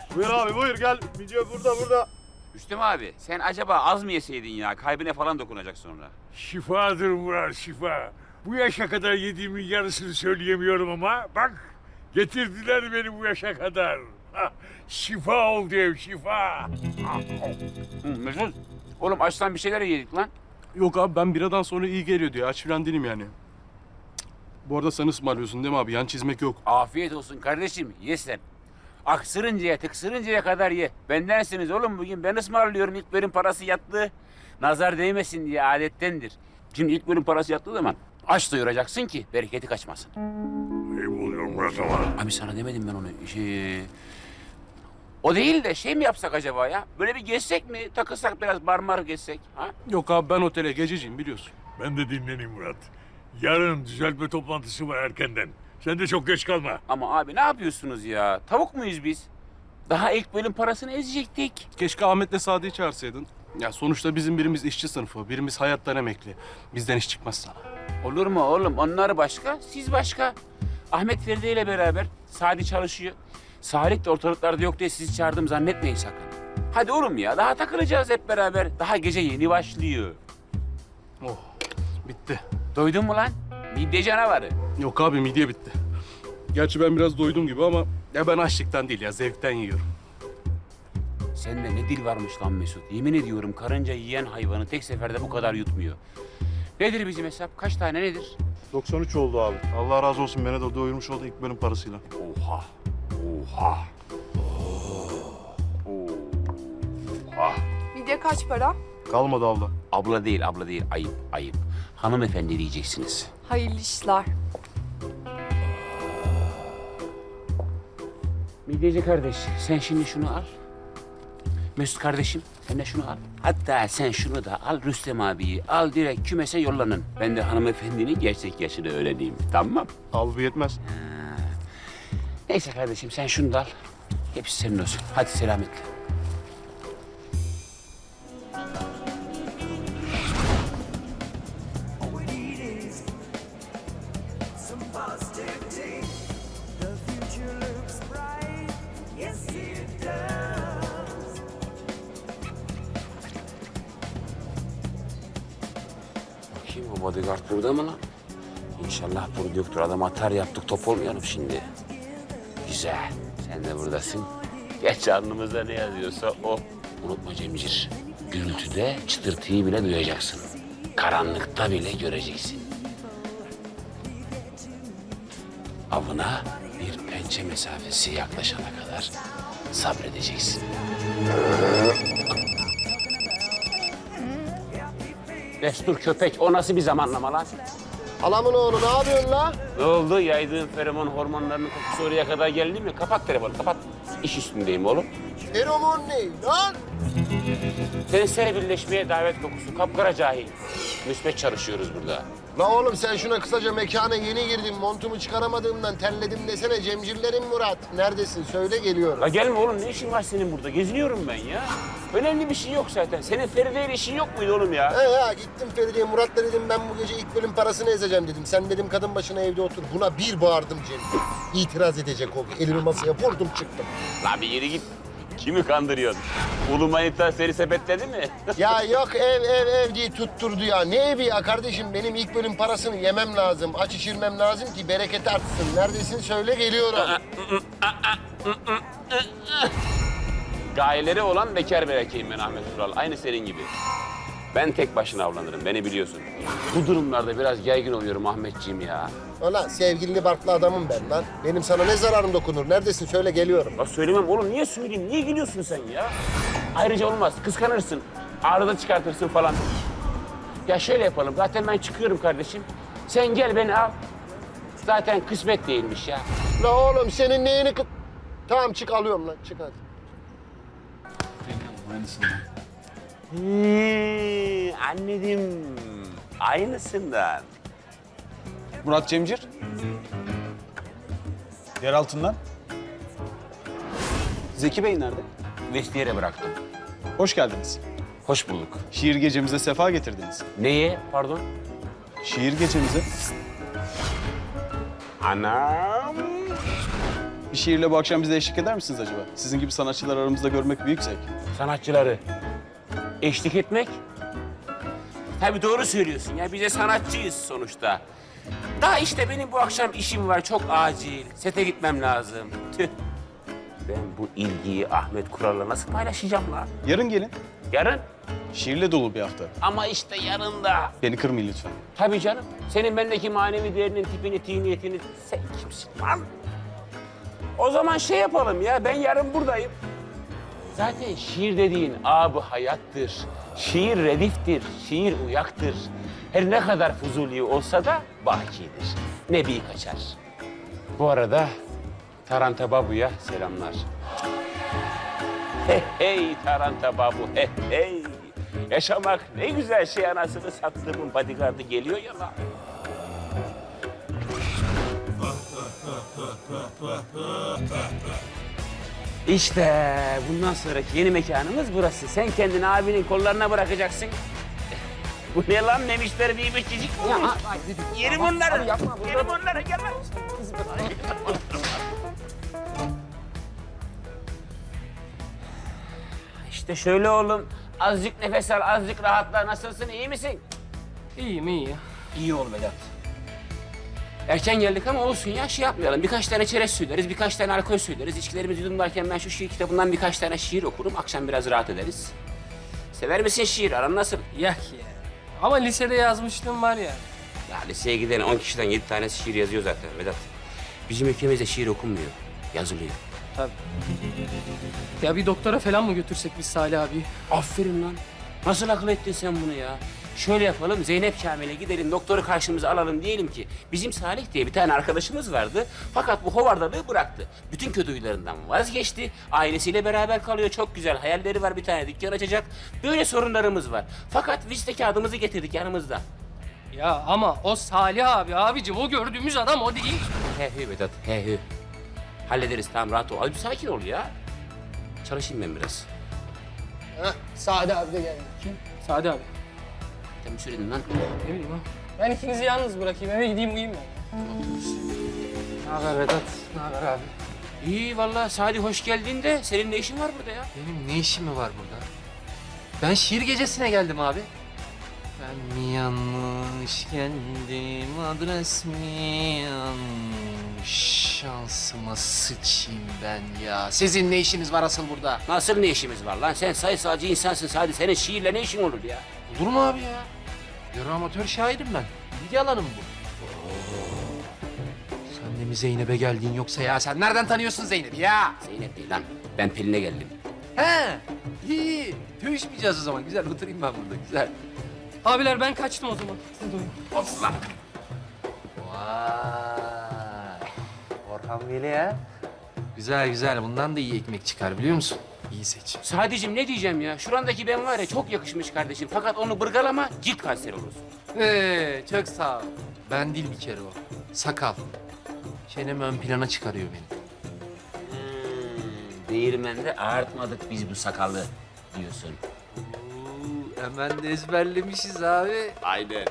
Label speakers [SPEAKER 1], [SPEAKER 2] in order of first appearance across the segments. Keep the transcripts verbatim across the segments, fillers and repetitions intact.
[SPEAKER 1] Buyur abi buyur gel. Video burada burada.
[SPEAKER 2] Rüstem abi sen acaba az mı yeseydin ya? Kalbine falan dokunacak sonra.
[SPEAKER 3] Şifadır Murat, şifa. Bu yaşa kadar yediğimin yarısını söyleyemiyorum ama bak getirdiler beni bu yaşa kadar. Hah, şifa oldu ev, şifa.
[SPEAKER 2] Hı, Mesut, oğlum açtan bir şeyler yedik lan.
[SPEAKER 4] Yok abi ben biradan sonra iyi geliyor diyor. Aç falan değilim yani. Cık. Bu arada sen ısmarlıyorsun değil mi abi? Yan çizmek yok.
[SPEAKER 2] Afiyet olsun kardeşim, ye sen. Aksırıncaya, tıksırıncaya kadar ye. Bendensiniz oğlum bugün. Ben ısmarlıyorum. İlk bölüm parası yattı. Nazar değmesin diye adettendir. Şimdi ilk bölüm parası yattığı zaman aç doyuracaksın ki bereketi kaçmasın.
[SPEAKER 3] Ayıp oluyor Murat ama.
[SPEAKER 2] Abi sana demedim ben onu. Şey... O değil de şey mi yapsak acaba ya? Böyle bir gezsek mi? Takılsak biraz barmar gezsek. Ha?
[SPEAKER 4] Yok abi ben otele gececiyim biliyorsun.
[SPEAKER 3] Ben de dinleneyim Murat. Yarın düzeltme toplantısı var erkenden. Sen de çok geç kalma.
[SPEAKER 2] Ama abi ne yapıyorsunuz ya? Tavuk muyuz biz? Daha ilk bölüm parasını ezecektik.
[SPEAKER 4] Keşke Ahmet'le Sadık'ı çağırsaydın. Ya sonuçta bizim birimiz işçi sınıfı, birimiz hayattan emekli. Bizden iş çıkmaz sana.
[SPEAKER 2] Olur mu oğlum? Onlar başka, siz başka. Ahmet Feride ile beraber Sadi çalışıyor. Salih de ortalıklarda yok diye sizi çağırdım zannetmeyin sakın. Hadi oğlum ya, daha takılacağız hep beraber. Daha gece yeni başlıyor.
[SPEAKER 4] Oh, bitti.
[SPEAKER 2] Doydun mu lan? Midye canavarı.
[SPEAKER 4] Yok abi midye bitti. Gerçi ben biraz doydum gibi ama ya ben açlıktan değil ya zevkten yiyorum.
[SPEAKER 2] Sende ne dil varmış lan Mesut. Yemin ediyorum karınca yiyen hayvanı tek seferde bu kadar yutmuyor. Nedir bizim hesap? Kaç tane nedir?
[SPEAKER 1] doksan üç oldu abi. Allah razı olsun beni de doyurmuş oldu ilk bölüm parasıyla.
[SPEAKER 2] Oha. Oha. Oha.
[SPEAKER 5] Midye kaç para?
[SPEAKER 1] Kalmadı abla.
[SPEAKER 2] Abla değil, abla değil. Ayıp, ayıp. Hanımefendi diyeceksiniz.
[SPEAKER 5] Hayırlı işler.
[SPEAKER 2] Midyeci kardeş, sen şimdi şunu al. Mesut kardeşim, sen de şunu al. Hatta sen şunu da al, Rüstem abiyi al, direkt kümese yollanın. Ben de hanımefendinin gerçek yaşını öğreneyim, tamam?
[SPEAKER 1] Al bu yetmez.
[SPEAKER 2] Neyse kardeşim, sen şunu da al. Hepsi senin olsun. Hadi selametle. Kim bu bodyguard burada mı lan? İnşallah burada yoktur. Adam atar yaptık, top olmayalım şimdi. Güzel. Sen de buradasın. Geç alnımızda ne yazıyorsa o. Unutma Cemcir. Gürültüde çıtırtıyı bile duyacaksın. Karanlıkta bile göreceksin. Avına bir pençe mesafesi yaklaşana kadar sabredeceksin. Destur köpek, o nasıl bir zamanlama lan?
[SPEAKER 6] Halamın oğlu ne yapıyorsun la?
[SPEAKER 2] Ne oldu? Yaydığın feromon hormonlarının kokusu oraya kadar geldi mi? Kapat telefonu, kapat. İş üstündeyim oğlum.
[SPEAKER 6] Feromon ne lan?
[SPEAKER 2] Seni birleşmeye davet kokusu, kapkara cahil. Müsbet çalışıyoruz burada.
[SPEAKER 6] La oğlum sen şuna kısaca mekana yeni girdim. Montumu çıkaramadığımdan terledim desene Cemcirlerim Murat. Neredesin? Söyle geliyorum.
[SPEAKER 2] La gelme oğlum, ne işin var senin burada? Geziniyorum ben ya. Önemli bir şey yok zaten. Senin Feride ile işin yok muydu oğlum ya?
[SPEAKER 6] He ya gittim Feride'ye Murat'la dedim ben bu gece ilk bölüm parasını ezeceğim dedim. Sen dedim kadın başına evde otur. Buna bir bağırdım Cem. İtiraz edecek oldu. Elimi masaya vurdum çıktım.
[SPEAKER 2] La bir yere git. Kimi kandırıyorsun? Ulu manita seni sepetledi mi?
[SPEAKER 6] Ya yok ev ev ev diye tutturdu ya. Ne evi ya kardeşim? Benim ilk bölüm parasını yemem lazım. Aç içirmem lazım ki bereket artsın. Neredesin söyle geliyorum.
[SPEAKER 2] Gayeleri olan bekar bir erkeğim ben Ahmet Ural. Aynı senin gibi. Ben tek başına avlanırım, beni biliyorsun. Bu durumlarda biraz yaygın oluyorum Ahmetciğim ya.
[SPEAKER 6] Ulan sevgilili barklı adamım ben lan. Benim sana ne zararım dokunur? Neredesin söyle geliyorum.
[SPEAKER 2] Ya söylemem oğlum, niye söyleyeyim? Niye gülüyorsun sen ya? Ayrıca olmaz, kıskanırsın. Arada çıkartırsın falan. Ya şöyle yapalım, zaten ben çıkıyorum kardeşim. Sen gel beni al. Zaten kısmet değilmiş ya.
[SPEAKER 6] La oğlum senin neyini kı... Tamam çık alıyorum lan çık hadi.
[SPEAKER 2] Hmm, anladım. Aynısından.
[SPEAKER 7] Murat Cemcir. Yer altından. Zeki Bey nerede?
[SPEAKER 2] Vestiyere bıraktım.
[SPEAKER 7] Hoş geldiniz.
[SPEAKER 2] Hoş bulduk.
[SPEAKER 7] Şiir gecemize sefa getirdiniz.
[SPEAKER 2] Neye? Pardon?
[SPEAKER 7] Şiir gecemize.
[SPEAKER 2] Anam.
[SPEAKER 7] Bir şiirle bu akşam bize eşlik eder misiniz acaba? Sizin gibi sanatçılar aramızda görmek büyük zevk.
[SPEAKER 2] Sanatçıları eşlik etmek. Tabii doğru söylüyorsun ya. Biz de sanatçıyız sonuçta. Daha işte benim bu akşam işim var. Çok acil. Sete gitmem lazım. Tüh. Ben bu ilgiyi Ahmet Kural'la nasıl paylaşacağım lan?
[SPEAKER 7] Yarın gelin.
[SPEAKER 2] Yarın.
[SPEAKER 7] Şiirle dolu bir hafta.
[SPEAKER 2] Ama işte yarın da.
[SPEAKER 7] Beni kırmayın lütfen.
[SPEAKER 2] Tabii canım. Senin bendeki manevi değerinin tipini, tiniyetini... Sen kimsin lan? O zaman şey yapalım ya. Ben yarın buradayım. Zaten şiir dediğin ab-ı hayattır. Şiir rediftir, şiir uyaktır. Her ne kadar fuzuli olsa da bakidir. Nebi kaçar. Bu arada Taranta Babu'ya selamlar. Hey hey Taranta Babu, hey hey. Yaşamak ne güzel şey, anasını sattığımın bodyguardı geliyor ya lan. İşte bundan sonraki yeni mekanımız burası. Sen kendini abinin kollarına bırakacaksın. Bu ne lan, memişler bir beşicik olmuş. Yerim onları. Yerim onları, gel lan. İşte şöyle oğlum. Azıcık nefes al, azıcık rahatla. Nasılsın, iyi misin?
[SPEAKER 8] İyiyim, iyi.
[SPEAKER 2] İyi ol Vedat. Erken geldik ama olsun ya, şey yapmayalım. Birkaç tane çerez söyleriz, birkaç tane alkol söyleriz. İçkilerimizi yudumlarken ben şu şiir kitabından birkaç tane şiir okurum. Akşam biraz rahat ederiz. Sever misin şiir? Aran nasıl?
[SPEAKER 8] Yak ya. Ama lisede yazmışlığım var ya.
[SPEAKER 2] Ya liseye giden on kişiden yedi tanesi şiir yazıyor zaten Vedat. Bizim ülkemizde şiir okunmuyor, yazılıyor.
[SPEAKER 8] Tabii. Ya bir doktora falan mı götürsek biz Salih abi?
[SPEAKER 2] Aferin lan. Nasıl akıl ettin sen bunu ya? Şöyle yapalım, Zeynep Kamil'e gidelim, doktoru karşımıza alalım, diyelim ki bizim Salih diye bir tane arkadaşımız vardı. Fakat bu hovardalığı bıraktı. Bütün kötü huylarından vazgeçti. Ailesiyle beraber kalıyor, çok güzel hayalleri var, bir tane dükkan açacak. Böyle sorunlarımız var. Fakat vizite kağıdımızı getirdik yanımızda.
[SPEAKER 8] Ya ama o Salih abi abicim, o gördüğümüz adam o değil.
[SPEAKER 2] He hü Vedat, he hü. Hallederiz, tamam, rahat ol. Abi sakin ol ya. Çalışayım ben biraz.
[SPEAKER 6] Heh, Sade abi de geldi.
[SPEAKER 8] Kim? Sadi abi.
[SPEAKER 2] Sen bir söyledin lan.
[SPEAKER 8] Ne bileyim ha. Ben ikinizi yalnız bırakayım, eve gideyim uyuyayım ben. Ne haber Vedat? Ne haber abi?
[SPEAKER 2] İyi vallahi Sadi, hoş geldin de senin ne işin var burada ya?
[SPEAKER 9] Benim ne işim mi var burada? Ben şiir gecesine geldim abi. Ben mi yanlış geldim, adres mi yanlış? Şansıma sıçayım ben ya. Sizin ne işiniz var asıl burada?
[SPEAKER 2] Nasıl ne işimiz var lan? Sen sayısalcı insansın Sadi. Senin şiirle ne işin olur ya?
[SPEAKER 9] Olur mu abi ya? Yarı amatör şairim ben. İlgi alanım bu. Sen de mi Zeynep'e geldin yoksa ya? Sen nereden tanıyorsun Zeynep'i ya?
[SPEAKER 2] Zeynep değil lan. Ben Pelin'e geldim.
[SPEAKER 9] He, iyi. Dövüşmeyeceğiz o zaman. Güzel, oturayım ben burada. Güzel.
[SPEAKER 8] Abiler ben kaçtım o zaman. Siz de uyuyun.
[SPEAKER 2] Osman.
[SPEAKER 9] Vay. Orhan Veli ya. Güzel güzel. Bundan da iyi ekmek çıkar biliyor musun? İyi seçim.
[SPEAKER 2] Sadicim ne diyeceğim ya? Şurandaki ben var ya, çok yakışmış kardeşim. Fakat onu bırgalama, cilt kanseri olursun.
[SPEAKER 9] Ee, çok sağ ol. Ben değil bir kere o. Sakal. Çenemi ön plana çıkarıyor beni.
[SPEAKER 2] Hmm, değirmende ağartmadık biz bu sakalı diyorsun.
[SPEAKER 9] Oo, hemen de ezberlemişiz abi.
[SPEAKER 2] Aynen.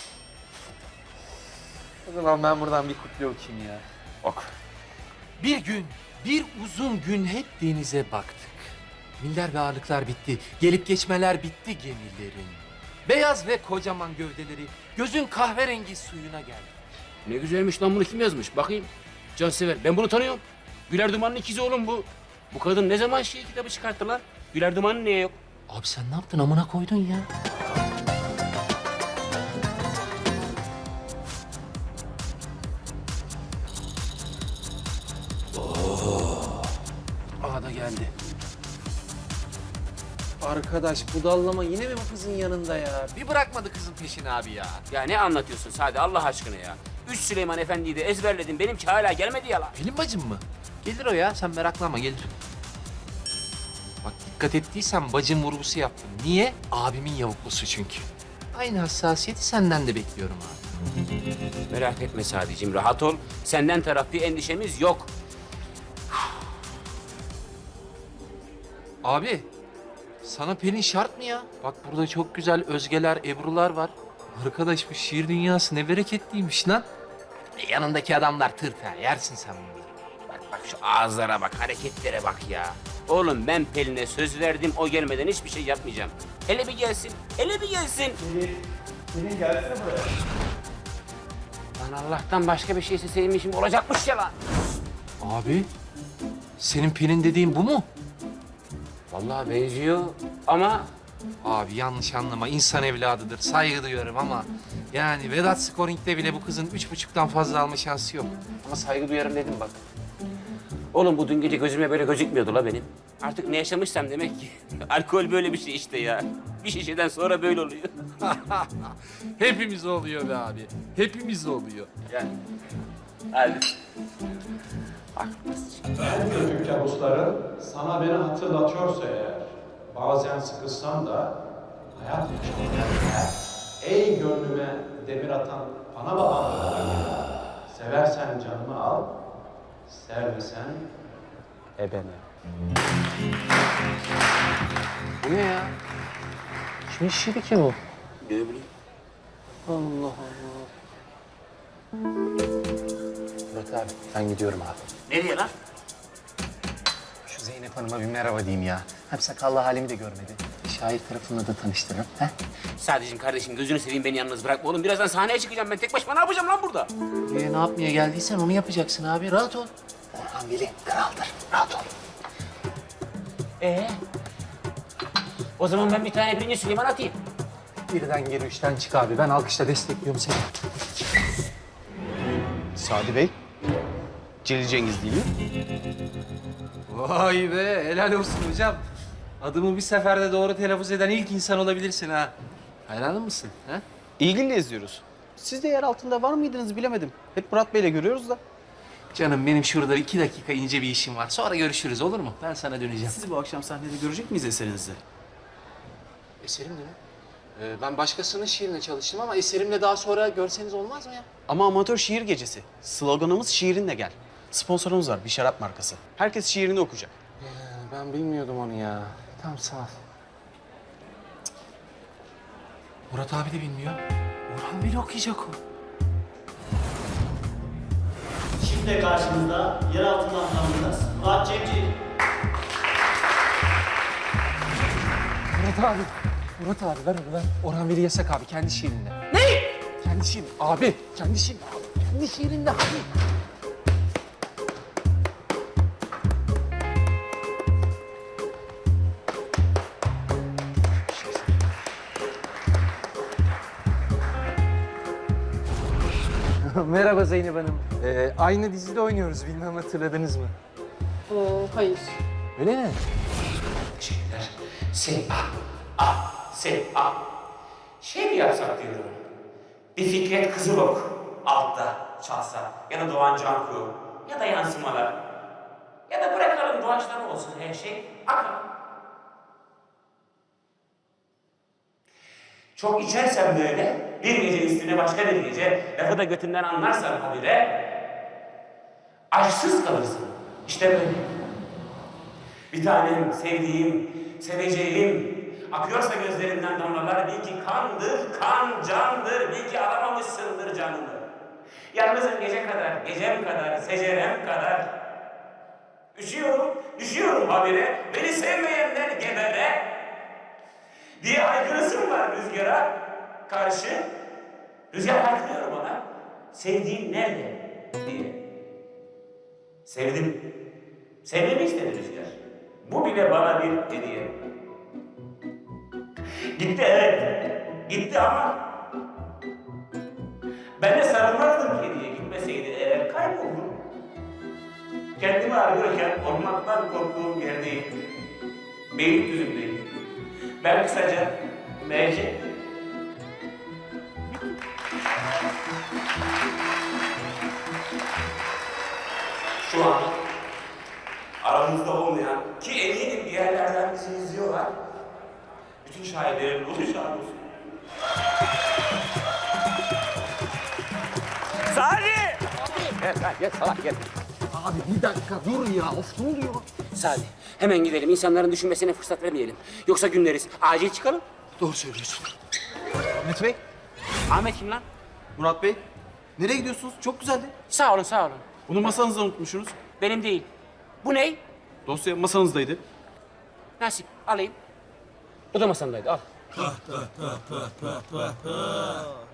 [SPEAKER 9] O zaman ben buradan bir kutle okuyayım ya.
[SPEAKER 2] Ok.
[SPEAKER 9] Bir gün, bir uzun gün hep denize baktık. Miller ve ağırlıklar bitti, gelip geçmeler bitti gemilerin. Beyaz ve kocaman gövdeleri gözün kahverengi suyuna geldi.
[SPEAKER 2] Ne güzelmiş lan, bunu kim yazmış? Bakayım. Cansever. Ben bunu tanıyorum. Güler Duman'ın ikizi oğlum bu. Bu kadın ne zaman şiir kitabı çıkarttı lan? Güler Duman'ın niye yok?
[SPEAKER 9] Abi sen ne yaptın, amına koydun ya?
[SPEAKER 8] Aa da geldi.
[SPEAKER 9] Arkadaş budallama yine mi bu kızın yanında ya? Bir bırakmadı kızın peşini abi ya.
[SPEAKER 2] Ya ne anlatıyorsun Sadi, Allah aşkına ya? Üç Süleyman Efendi'yi de ezberledim. Benimki hala gelmedi ya lan.
[SPEAKER 9] Pelin bacım mı? Gelir o ya, sen meraklanma, gelir. Bak dikkat ettiysen bacım vurgusu yaptım. Niye? Abimin yavuklusu çünkü. Aynı hassasiyeti senden de bekliyorum abi.
[SPEAKER 2] Merak etme Sadi'cim, rahat ol. Senden taraf bir endişemiz yok.
[SPEAKER 9] Abi, sana Pelin şart mı ya? Bak burada çok güzel Özgeler, Ebrular var. Arkadaş bu şiir dünyası ne bereketliymiş lan. E, yanındaki adamlar tırt ha, yersin sen bunları.
[SPEAKER 2] Bak Bak şu ağızlara bak, hareketlere bak ya. Oğlum ben Pelin'e söz verdim, o gelmeden hiçbir şey yapmayacağım. Hele bir gelsin, hele bir gelsin.
[SPEAKER 7] Pelin gelsene buraya.
[SPEAKER 2] Lan Allah'tan başka bir şeyse senin işin olacakmış ya lan.
[SPEAKER 9] Abi, senin Pelin dediğin bu mu?
[SPEAKER 2] Vallahi benziyor ama
[SPEAKER 9] Abi yanlış anlama, insan evladıdır, saygı duyuyorum ama... Yani Vedat Scoring'de bile bu kızın üç buçuktan fazla alma şansı yok.
[SPEAKER 2] ama saygı duyarım dedim bak. Oğlum bu dün gece gözüme böyle gözükmüyordu la benim. Artık ne yaşamışsam demek ki. Alkol böyle bir şey işte ya. Bir şişeden sonra böyle oluyor.
[SPEAKER 9] Hepimiz oluyor be abi, hepimiz oluyor.
[SPEAKER 2] Yani. Hadi.
[SPEAKER 10] En kötü kabusların sana beni hatırlatıyorsa eğer, bazen sıkılsam da hayat yaşamaya ey gönlüme demir atan bana babanlara gelir. Seversen canımı al, sevmesen ebene.
[SPEAKER 9] Bu ne ya? Kimin şiiri ki bu?
[SPEAKER 2] Ne bileyim.
[SPEAKER 9] Allah Allah. Murat abi, ben gidiyorum abi.
[SPEAKER 2] Nereye lan?
[SPEAKER 9] Şu Zeynep Hanım'a bir merhaba diyeyim ya. Hem sakallı halimi de görmedi. Şair tarafımla da tanıştırırım. He?
[SPEAKER 2] Sadece kardeşim gözünü seveyim beni yalnız bırakma oğlum. Birazdan sahneye çıkacağım ben. Tek başıma ne yapacağım lan burada?
[SPEAKER 9] Ee, ne yapmaya geldiysen onu yapacaksın abi. Rahat ol. Orhan Veli kraldır. Rahat ol.
[SPEAKER 2] Ee? O zaman ben bir tane birinci Süleyman atayım.
[SPEAKER 9] Birden geri üçten çık abi. Ben alkışla destekliyorum seni.
[SPEAKER 7] Sadi Bey. Celil Cengiz değil mi?
[SPEAKER 9] Vay be, helal olsun hocam. Adımı bir seferde doğru telaffuz eden ilk insan olabilirsin ha. Hayranın mısın ha?
[SPEAKER 7] İlgili izliyoruz. Siz de yer altında var mıydınız bilemedim. Hep Murat Bey'le görüyoruz da.
[SPEAKER 9] Canım benim şurada iki dakika ince bir işim var. Sonra görüşürüz olur mu? Ben sana döneceğim.
[SPEAKER 7] Sizi bu akşam sahnede görecek miyiz eserinizde?
[SPEAKER 9] Eserim mi? Ee, ben başkasının şiirine çalıştım ama eserimle daha sonra görseniz olmaz mı ya?
[SPEAKER 7] Ama amatör şiir gecesi. Sloganımız şiirinle gel. Sponsorumuz var, bir şarap markası. Herkes şiirini okuyacak.
[SPEAKER 9] Ee, ben bilmiyordum onu ya. Tamam sağ ol. Murat abi de bilmiyor. Orhan Veli okuyacak o.
[SPEAKER 11] Şimdi karşınızda yer altından tanıdığınız Murat Cemcir.
[SPEAKER 9] Murat abi. Murat abi ver onu ver. Orhan Veli yasak abi kendi şiirinde. Ne? Kendi şiirinde. Abi kendi şiirinde abi. Kendi şiirinde abi. Merhaba Zeynep Hanım. Ee, aynı dizide oynuyoruz. Bilmem hatırladınız mı?
[SPEAKER 5] Ee, hayır.
[SPEAKER 9] Öyle mi?
[SPEAKER 2] Şeyler. Se a. A. Se a. Şey mi yapsak diyorum. Bir Fikret Kızılok altta çalsa. Ya da Doğan Canku. Ya da yansımalar. Ya da bırakalım doğaçlama olsun her şey. Akın. Çok içersem böyle, bir gece üstüne başka bir gece, lafı da götünden anlarsan habire, aşksız kalırsın. İşte böyle. Bir tanem, sevdiğim, seveceğim, akıyorsa gözlerinden damlalar, bil ki kandır, kan candır, bil ki alamamışsındır canını. Yalnızım gece kadar, gecem kadar, secerem kadar. Üşüyorum, düşüyorum habire, beni sevmeyenler gebere. Diye haykırısım var rüzgara karşı. Rüzgar haykırıyor bana. Sevdiğin nerede diye. Sevdim. Sevmemi istedi rüzgar. Bu bile bana bir hediye. Gitti evet. Gitti ama ben de sarılmazdım hediye gitmeseydi eğer kayboldum. Kendimi arıyorken olmaktan korktuğum yerdeyim. Beylikdüzü'ndeyim. Ben kısaca M C. Şu an aramızda olmayan ki eminim bir yerlerden bizi izliyorlar. Bütün şairlerin ruhu şad olsun. Sadi! Gel gel gel salak gel.
[SPEAKER 9] Abi bir dakika dur ya. Of ne oluyor?
[SPEAKER 2] Sadi hemen gidelim. İnsanların düşünmesine fırsat vermeyelim. Yoksa günleriz. Acil çıkalım.
[SPEAKER 9] Doğru söylüyorsun.
[SPEAKER 7] Ahmet Bey,
[SPEAKER 2] Ahmet kim lan?
[SPEAKER 7] Murat Bey. Nereye gidiyorsunuz? Çok güzeldi.
[SPEAKER 2] Sağ olun sağ olun.
[SPEAKER 7] Bunu masanızda unutmuşsunuz.
[SPEAKER 2] Benim değil. Bu ne?
[SPEAKER 7] Dosya masanızdaydı.
[SPEAKER 2] Nasip, alayım. O da masandaydı, al.